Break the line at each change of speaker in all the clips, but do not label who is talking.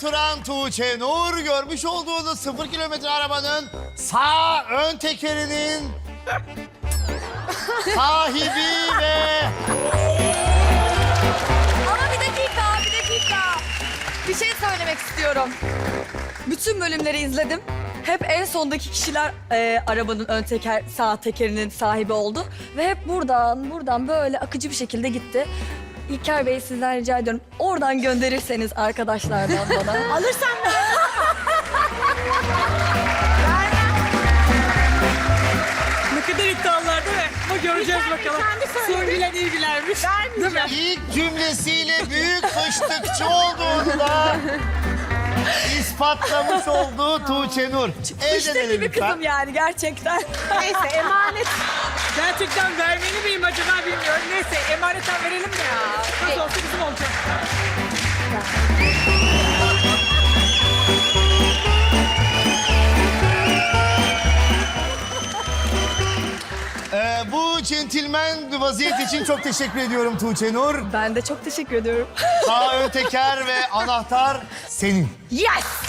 oturan Tuğçe Nur görmüş olduğunuz 0 kilometre arabanın sağ ön tekerinin sahibi ve...
Ama bir dakika. Bir şey söylemek istiyorum. Bütün bölümleri izledim. Hep en sondaki kişiler arabanın ön teker, sağ tekerinin sahibi oldu. Ve hep buradan böyle akıcı bir şekilde gitti. İlker Bey sizden rica ediyorum. Oradan gönderirseniz arkadaşlardan bana.
Alırsan mı?
Ne kadar iddialılar değil mi? Ama göreceğiz bakalım. Son bilen iyi bilermiş. Değil mi?
İlk cümlesiyle büyük fıştıkçı olduğunu da ispatlamış oldu Tuğçe Nur.
İşte gibi kızım yani gerçekten.
Neyse emanet.
Gerçekten vermeli miyim acaba bilmiyorum. Neyse emanetten verelim de ya. Nasıl olsa bizim olacak.
Bu centilmen vaziyet için çok teşekkür ediyorum Tuğçe Nur.
Ben de çok teşekkür ediyorum.
Sağ ön teker ve anahtar senin.
Yes!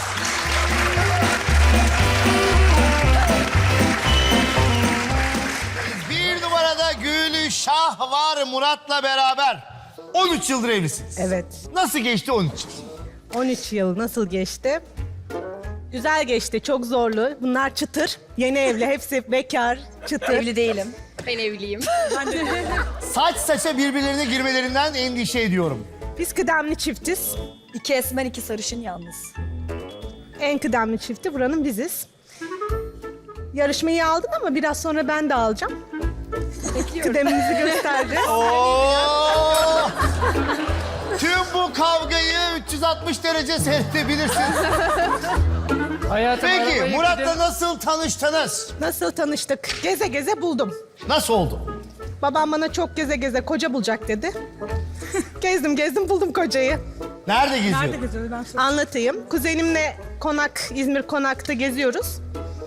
Bir numarada Gülşah var Murat'la beraber. 13 yıldır evlisiniz.
Evet.
Nasıl geçti 13 yıl?
13 yıl nasıl geçti? Güzel geçti, çok zorlu. Bunlar çıtır. Yeni evli, hepsi bekar, çıtır.
Evli değilim.
Ben evliyim.
Saç saça birbirlerine girmelerinden endişe ediyorum.
Biz kıdemli çiftiz.
2 esmer 2 sarışın yalnız.
En kıdemli çifti buranın biziz. Yarışmayı aldın ama biraz sonra ben de alacağım. Kıdemimizi göstereceğiz.
Oo! Tüm bu kavgayı 360 derece seyredebilirsiniz.
Hayatım,
Peki
arabayı
Murat'la
gidelim.
nasıl tanıştınız?
Nasıl tanıştık? Geze geze buldum.
Nasıl oldu?
Babam bana çok geze geze koca bulacak dedi. Gezdim buldum kocayı.
Nerede geziyor?
Nerede geziyoruz ben sana?
Anlatayım. Kuzenimle İzmir Konak'ta geziyoruz.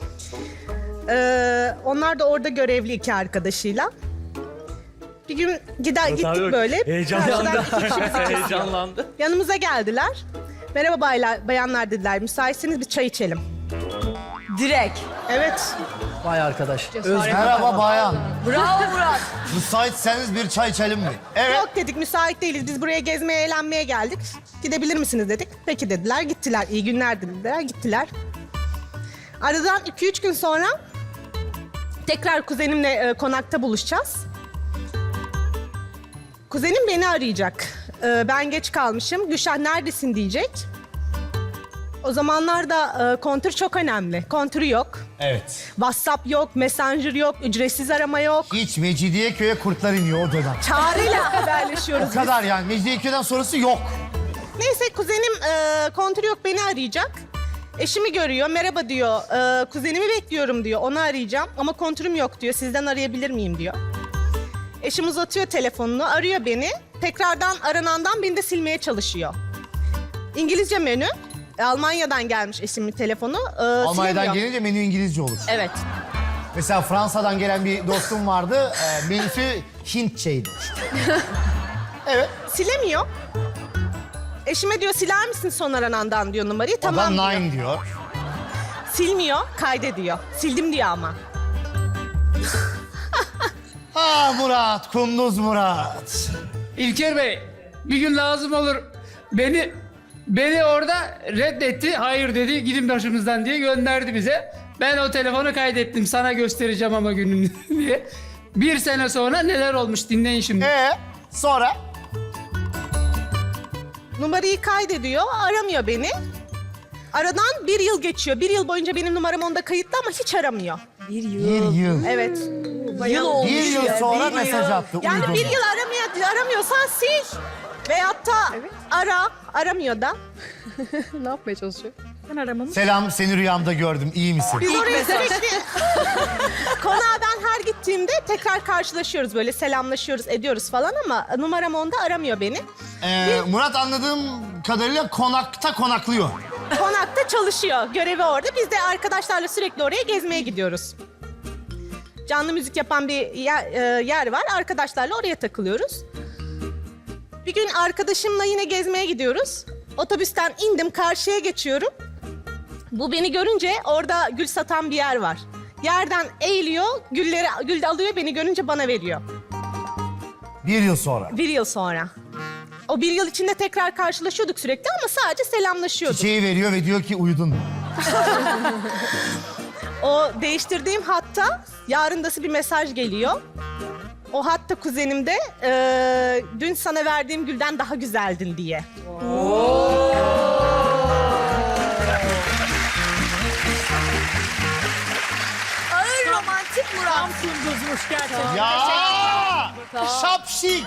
Onlar da orada görevli 2 arkadaşıyla. Bir gün gittik böyle.
Heyecanlandı.
Karşıdan 2 kişimizi kesiyor.
Heyecanlandı.
Yanımıza geldiler. Merhaba bayanlar dediler. Müsaitseniz bir çay içelim.
Direkt.
Evet.
Vay arkadaş.
Merhaba bayan.
Bravo Murat.
Müsaitseniz bir çay içelim mi? Evet.
Yok dedik müsait değiliz. Biz buraya gezmeye eğlenmeye geldik. Gidebilir misiniz dedik. Peki dediler. Gittiler. İyi günler dediler. Gittiler. Aradan 2-3 gün sonra tekrar kuzenimle konakta buluşacağız. Kuzenim beni arayacak. Ben geç kalmışım. Gülşah neredesin diyecek. O zamanlarda kontür çok önemli. Kontürü yok.
Evet.
WhatsApp yok, Messenger yok, ücretsiz arama yok.
Hiç Mecidiyeköy'e kurtlar iniyor o dönem.
Çağrıyla haberleşiyoruz.
O kadar yani Mecidiyeköy'den sonrası yok.
Neyse kuzenim kontürü yok beni arayacak. Eşimi görüyor, merhaba diyor. Kuzenimi bekliyorum diyor, onu arayacağım. Ama kontürüm yok diyor, sizden arayabilir miyim diyor. Eşim uzatıyor telefonunu, arıyor beni. Tekrardan aranandan beni de silmeye çalışıyor. İngilizce menü. Almanya'dan gelmiş eşimin telefonu.
Almanya'dan
silemiyor.
gelince menü İngilizce olur.
Evet.
Mesela Fransa'dan gelen bir dostum vardı. Menüsü Hintçeydi. Evet.
Silemiyor. Eşime diyor siler misin son aranandan diyor numarayı. Tamam
Adam
diyor.
nine diyor.
Silmiyor, kaydediyor. Sildim diyor ama.
Ah Murat, Kunduz Murat.
İlker Bey, bir gün lazım olur. Beni orada reddetti. Hayır dedi, gidin başımızdan diye gönderdi bize. Ben o telefonu kaydettim. Sana göstereceğim ama gününü diye. 1 sene sonra neler olmuş dinleyin şimdi.
Sonra?
Numarayı kaydediyor, aramıyor beni. Aradan 1 yıl geçiyor. 1 yıl boyunca benim numaram onda kayıtlı ama hiç aramıyor.
Bir
Bir
yıl.
yıl.
Evet.
Yıl olmuş.
Bir yıl
ya,
sonra
bir
mesaj
yıl.
attı.
Yani
uydurma.
1 yıl aramıyorsan sil. Veyahut da aramıyor da.
Ne yapmaya çalışıyor?
Ben aramamı.
Selam, seni rüyamda gördüm. İyi misin?
Biz oraya sürekli konağa ben her gittiğimde tekrar karşılaşıyoruz böyle selamlaşıyoruz ediyoruz falan ama numaram onda aramıyor beni.
Murat anladığım kadarıyla konakta konaklıyor.
Konakta çalışıyor. Görevi orada. Biz de arkadaşlarla sürekli oraya gezmeye gidiyoruz. Canlı müzik yapan bir yer var. Arkadaşlarla oraya takılıyoruz. Bir gün arkadaşımla yine gezmeye gidiyoruz. Otobüsten indim, karşıya geçiyorum. Bu beni görünce orada gül satan bir yer var. Yerden eğiliyor, gül alıyor, beni görünce bana veriyor.
1 yıl sonra.
1 yıl sonra. O 1 yıl içinde tekrar karşılaşıyorduk sürekli ama sadece selamlaşıyorduk.
Çiçeği veriyor ve diyor ki uyudun mu?
O değiştirdiğim hatta yarındası bir mesaj geliyor. O hatta kuzenimde dün sana verdiğim gülden daha güzeldin diye.
Ağır romantik Murat.
Tam kunduzmuş gerçekten.
Ya! Şapşik!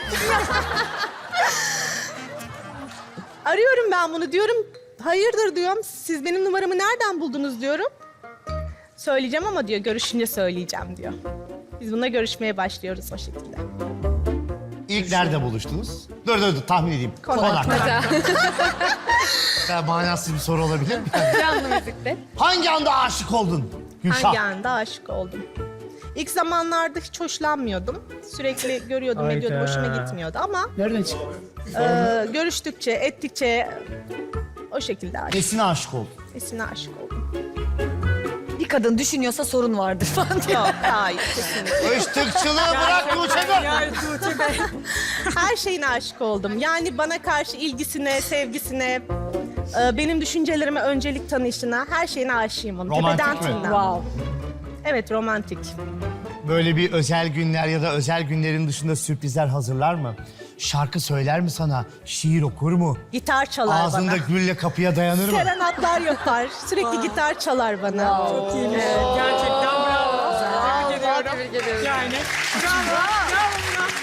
Arıyorum ben bunu, diyorum. Hayırdır diyorum. Siz benim numaramı nereden buldunuz diyorum. Söyleyeceğim ama diyor, görüşünce söyleyeceğim diyor. Biz bununla görüşmeye başlıyoruz o şekilde.
İlk nerede buluştunuz? Dur tahmin edeyim.
Konakta.
Manasız bir soru olabilir mi?
Canlı müzikte.
Hangi anda aşık oldun Gülşah?
Hangi anda aşık oldum? İlk zamanlarda hiç hoşlanmıyordum. Sürekli görüyordum, ediyordum, hoşuma gitmiyordu ama
Nereden çıktı?
görüştükçe, ettikçe o şekilde aşık.
Nesine aşık oldun?
Esine aşık oldum.
Bir kadın düşünüyorsa sorun vardır falan diyor.
Yok, hayır, kesinlikle.
Iştıkçılığı bırak Tuğçe Gül.
Ya Tuğçe Bey.
Her şeyine aşık oldum. Yani bana karşı ilgisine, sevgisine, benim düşüncelerime öncelik tanışına, her şeyine aşığım onun.
Romantik
Tepeden
mi?
tırnağa.
Wow.
Evet, romantik.
Böyle bir özel günler ya da özel günlerin dışında sürprizler hazırlar mı? Şarkı söyler mi sana? Şiir okur mu?
Gitar çalar
Ağzında
bana.
gülle kapıya dayanır mı?
Serenatlar yapar. Sürekli gitar çalar bana.
Çok iyiymiş. Gerçekten bravo. Tebrik ediyorum. Yani bravo. Bravo Murat.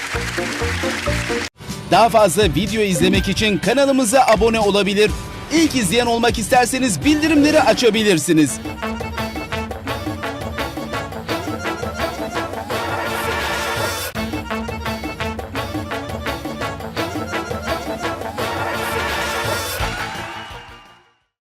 Daha fazla video izlemek için kanalımıza abone olabilir. İlk izleyen olmak isterseniz bildirimleri açabilirsiniz.